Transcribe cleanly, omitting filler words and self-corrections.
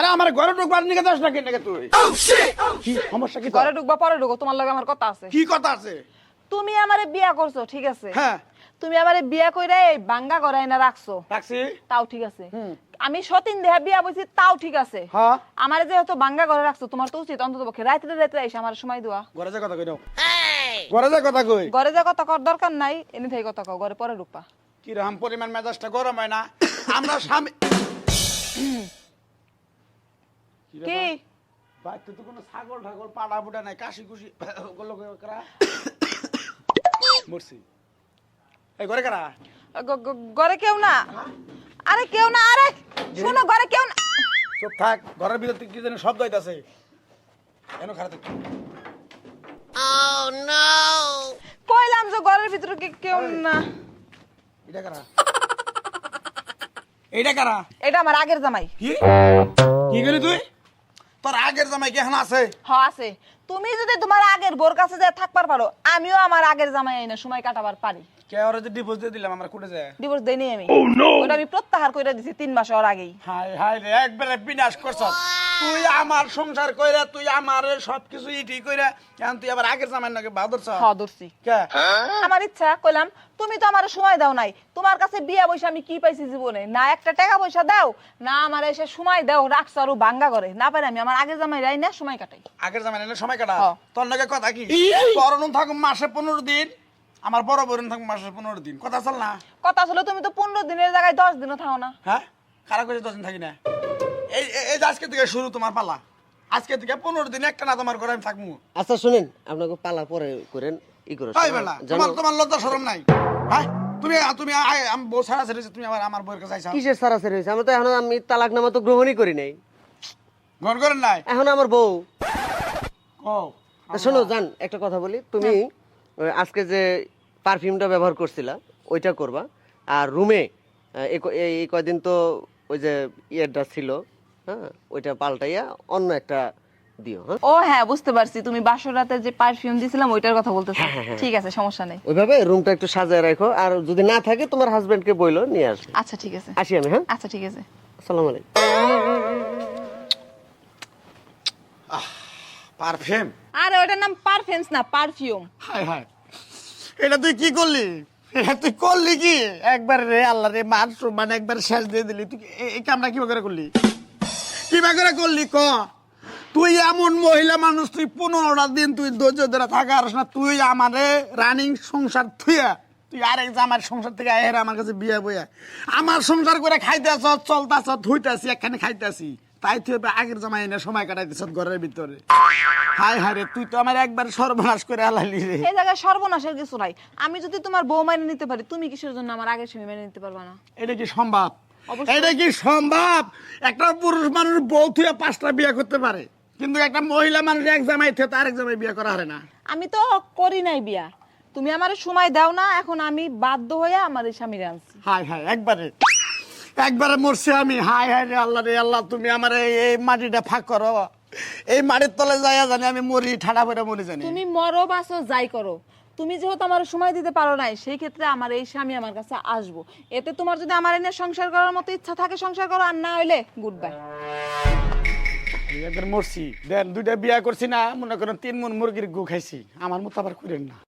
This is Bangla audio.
আমার ঘরে ঢুকবার নিকে যাস না কেন তুই? কি সমস্যা কি? ঘরে ঢুকবা পরে ঢুকো, তোমার লগে আমার কথা আছে। কি কথা আছে? তুমি আমারে বিয়া করছো ঠিক আছে, হ্যাঁ তুমি আমারে বিয়া কইরা এই বাঙ্গা ঘরে না রাখছো, রাখছি। তাও ঠিক আছে। আমি সতীন দেহা বিয়া বইছি, তাও ঠিক আছে। হ্যাঁ আমারে যেহেতু বাঙ্গা ঘরে রাখছো, তোমার তো উচিত অন্তত পক্ষে রাইতে রাইতে এসে আমার সময় দেওয়া। ঘরে যা কথা কই দাও। ঘরে যা কথা কই। ঘরে যে কথা কর দরকার নাই, এনে থেকে কথা কও, ঘরে পরে ঢুকবা। কি রকম পরিমাণ মেজাজটা গরম হয় না? আমরা স্বামী কি বাড়িতে তো কোনো ছাগল ঠাগল পাড়া বুড়া নাই, কাশি কুশি ওগুলো করা মরছি। এই ঘরে কারা? ঘরে কেউ না। আরে কেউ না, আরে শোনো, ঘরে কেউ না। চুপ থাক, ঘরের ভিতর থেকে কি জানি শব্দ হইতাছে। কেন খারাপ? কইলাম যে ঘরের ভিতরে কেউ না। এটা কারা? এইটা কারা? এটা আমার আগের জামাই। কি কি গেলি তুই? তোর আগের জামাই কি এখন আছে? হ্যাঁ আছে। তুমি যদি তোমার আগের বোর কাছে যা থাকবার পারো, আমিও আমার আগের জামাই আইনা সময় কাটাবার পারি। কে ওরে যে ডিভোর্স দিয়ে দিলাম, আমরা কোটে যায়? ডিভোর্স দেইনি আমি। ওটা আমি প্রত্যাহার কইরা দিছি 3 মাস ওর আগেই। হায় হায় রে, একবারে বিনাশ করছস তুই আমার সংসার কইরা, তুই আমারে সবকিছু ইটি কইরা, এখন তুই আবার আগের জামাই নাকি বাদরছ? হ্যাঁ ধরছি। কে? আমার ইচ্ছা, কইলাম তুমি তো আমার সময় দাও নাই, তোমার কাছে বিয়া পয়সা আমি কি পাইছি জীবনে? না একটা টাকা পয়সা দাও, না আমার এসে সময় দাও, রাখছ আরো ভাঙ্গা করে। না পারে আমি আমার আগের জামাই রাই না সময় কাটাই। আগের জামাই না সময় কাটা? হ্যাঁ। তোর নাকি কথা কি? তোর নুন থাকুম মাসে 15 দিন, আমার বড় বোন থাকুম মাসে 15 দিন, কথা চল না? কথা ছিল তুমি তো 15 দিনের জায়গায় 10 দিনও থাও না। হ্যাঁ খারাপ করে 10 দিন থাকি না। এই এই যে আজকে থেকে শুরু তোমার পালা, আজকে থেকে 15 দিন একটা না তোমার ঘরে আমি থাকবো। আচ্ছা শুনেন, আপনাকে পালা পরে করেন ই করে তাই বেলা তোমার তোমার লজ্জা শরম নাই? হ্যাঁ তুমি তুমি আমি বউ ছাড়া ছেড়েছি, তুমি আবার আমার বউয়ের কাছে আইছো? কিসের সারাসারি হয়েছে? আমি তো এখন আমি তালাকনামা তো গ্রহণই করি নাই, ঘর করেন নাই এখন আমার বউ। ও তা শোনো জান, একটা কথা বলি, তুমি ওই আজকে যে পারফিউমটা ব্যবহার করছিলা ওইটা করবা, আর রুমে এই কয়দিন তো ওই যে ইয়েটা ছিল, হ্যাঁ ওইটা পাল্টাইয়া অন্য একটা দিও। হ্যাঁ ও হ্যাঁ বুঝতে পারছি, তুমি বাসর রাতে যে পারফিউম দিছিলাম ওইটার কথা বলতেছো। ঠিক আছে, সমস্যা নেই। ওইভাবে রুমটা একটু সাজায় রাখো, আর যদি না থাকে তোমার হাজবেন্ডকে বইলো নিয়ে আসবে। আচ্ছা ঠিক আছে। আসি আমি। হ্যাঁ আচ্ছা ঠিক আছে। আসসালামু আলাইকুম। পারফিউম? আরে ওটার নাম পারফিউমস না, পারফিউম। হায় হায়, এটা তুই কি করলি? এটা তুই করলি কি একবার রে? আল্লাহ রে, মান সম্মান একবার শেষ দিয়ে দিলি। তুই এই কামটা কিভাবে করে করলি? কিভাবে করে করলি ক? তুই এমন মহিলা মানুষ, তুই 15টা দিন তুই ধৈর্য ধরে থাকা আর না, তুই আমারে রানিং সংসার থুয়া তুই আরেক জামার সংসার থেকে আয় আমার কাছে বিয়ে বইয়া আমার সংসার করে খাইতেছ, চলতেছ, ধুইতেছি, একখানে খাইতেছি, তাই তুই আগের জামাই এনে সময় কাটাইতেছ ঘরের ভিতরে। হায় হায় রে, তুই তো আমার একবার সর্বনাশ করে আলাইলি রে। এই জায়গায় সর্বনাশের কিছু নাই। আমি যদি তোমার বউ মেনে নিতে পারি, তুমি কিসের জন্য আমার আগের স্বামী মেনে নিতে পারবা না? এটা কি সম্ভব? অবশ্যই। এটা কি সম্ভব? একটা পুরুষ মানুষ বউ থুয়া 5টা বিয়ে করতে পারে, কিন্তু একটা মহিলা মানুষ এক জামাই থেকে আরেক জামাই বিয়ে করা হারে না। আমি তো করি নাই বিয়া, তুমি আমার সময় দাও না, এখন আমি বাধ্য হয়ে আমার এই স্বামীরে আনছি। হায় হায়, একবারে একবারে মরছি আমি। হায় হায় রে আল্লাহ রে আল্লাহ, তুমি আমার এই মাটিটা ফাঁক করো, এই মাটির তলে যাইয়া জানি আমি মরি, ঠাডা পড়ে মরি জানি। তুমি মরো বাসো যাই করো, তুমি যেহেতু আমার সময় দিতে পারো নাই, সেই ক্ষেত্রে আমার এই স্বামী আমার কাছে আসবো। এতে তোমার যদি আমার এনে সংসার করার মতো ইচ্ছা থাকে সংসার করো, আর না হইলে গুড বাই। একবার মরছি দেন, 2টা বিয়া করছি না, মনে করেন 3 মণ মুরগির গু খাইছি, আমার মতো আবার করেন না।